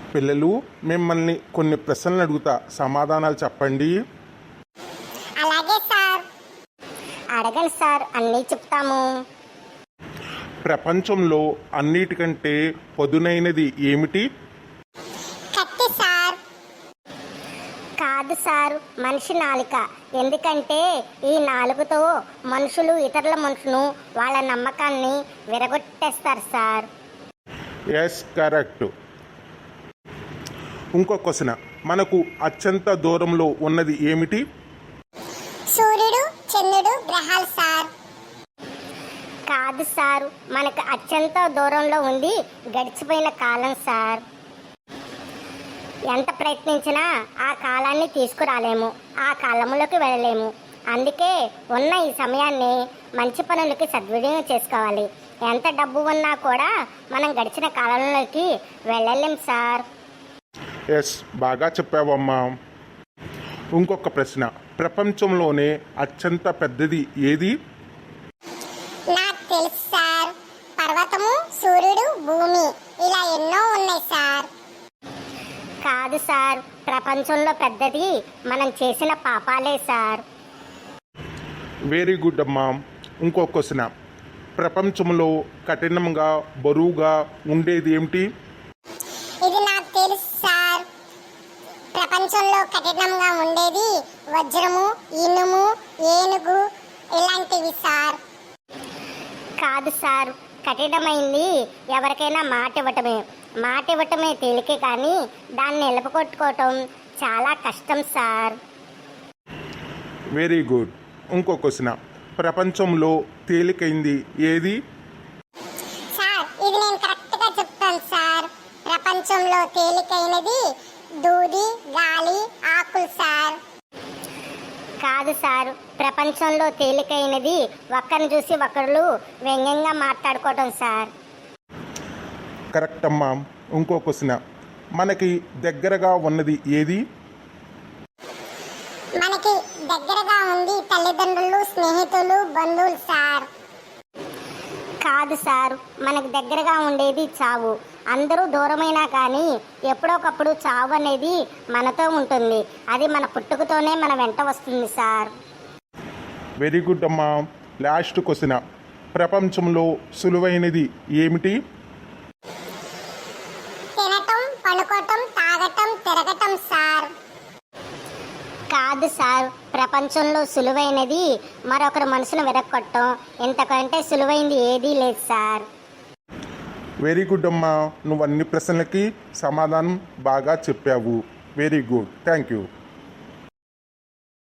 పిల్లలు, మిమ్మల్ని కొన్ని ప్రశ్నలు అడుగుతా, సమాధానాలు చెప్పండి. అలాగే సార్. అడగండి సార్, అన్నీ చెప్తాము. ప్రపంచంలో అన్నిటికంటే పదునైనది ఏమిటి? కత్తి సార్. కాదు సార్, మనిషి నాలుక. ఎందుకంటే ఈ నాలుకతో మనుషులు ఇతరుల మనుషులను వాళ్ళ నమ్మకాన్ని విరగొట్టేస్తారు సార్. Yes, correct. ఇంకో క్వశ్చన్, మనకు అత్యంత దూరంలో ఉన్నది ఏమిటి? సూర్యుడు, చంద్రుడు, గ్రహాలు సార్. కాదు సార్, మనకు అత్యంత దూరంలో ఉంది గడిచిపోయిన కాలం సార్. ఎంత ప్రయత్నించినా ఆ కాలాన్ని తీసుకురాలేము, ఆ కాలంలోకి వెళ్ళలేము. అందుకే ఉన్న ఈ సమయాన్ని మంచి పనులకి సద్వినియోగం చేసుకోవాలి. ఎంత డబ్బు ఉన్నా కూడా మనం గడిచిన కాలంలోకి వెళ్ళలేం సార్. ఎస్, బాగా చెప్పావమ్మా. ఇంకొక ప్రశ్న, ప్రపంచంలోనే అత్యంత పెద్దది ఏది? నాకు తెలుసు సార్. పర్వతము, సూర్యుడు, భూమి, ఇలా ఎన్నో ఉన్నాయి సార్. కాదు సార్, ప్రపంచంలో పెద్దది మనం చేసిన పాపాలే సార్. వెరీ గుడ్ అమ్మా. ఇంకో క్వశ్చన్, ప్రపంచంలో కఠినంగా బరువుగా ఉండేది ఏమిటి? ఇది నాకు తెలుసు సార్. ప్రపంచంలో కఠినంగా ఉండేది వజ్రము, ఇనుము, ఏనుగు ఇలాంటివి సార్. కాదు సార్, కఠినమైంది ఎవరికైనా మాట ఇవ్వటమే. మాట ఇవ్వటమే తేలికే, కానీ దాన్ని నిలబకొట్టుకోవటం చాలా కష్టం సార్. Very good. ఇంకో క్వశ్చన్, ప్రపంచంలో తేలికైంది ఏది? సార్, ఇది నేను కరెక్ట్గా చెప్తాను సార్. ప్రపంచంలో తేలికైనది దూది, గాలి, ఆకులు సార్. కాదు సార్, ప్రపంచంలో తేలికైనది ఒక్కరిని చూసి ఒకరు వ్యంగ్యంగా మాట్లాడుకోవటం సార్. కరెక్ట్ అమ్మా. ఇంకో క్వశ్చన్, మనకి దగ్గరగా ఉన్నది ఏది? మనకి దగ్గరగా ఉంది తల్లిదండ్రులు, స్నేహితులు, బంధువులు సార్. కాదు సార్, మనకు దగ్గరగా ఉండేది చావు. అందరూ దూరమైనా కానీ ఎప్పుడొకప్పుడు చావు అనేది మనతో ఉంటుంది. అది మన పుట్టుకతోనే మన వెంట వస్తుంది సార్. వెరీ గుడ్ అమ్మా. లాస్ట్ క్వశ్చన్, ప్రపంచంలో సులువైనది ఏమిటి? తినటం, పడుకోవటం, తాగటం, తిరగటం సార్. కాదు సార్, ప్రపంచంలో సులువైనది మరొకరు మనసును విరగొట్టడం. ఇంతకంటే సులువైంది ఏదీ లేదు సార్. వెరీ గుడ్ అమ్మా. నువ్వు అన్ని ప్రశ్నలకి సమాధానం బాగా చెప్పావు. Very good, thank you.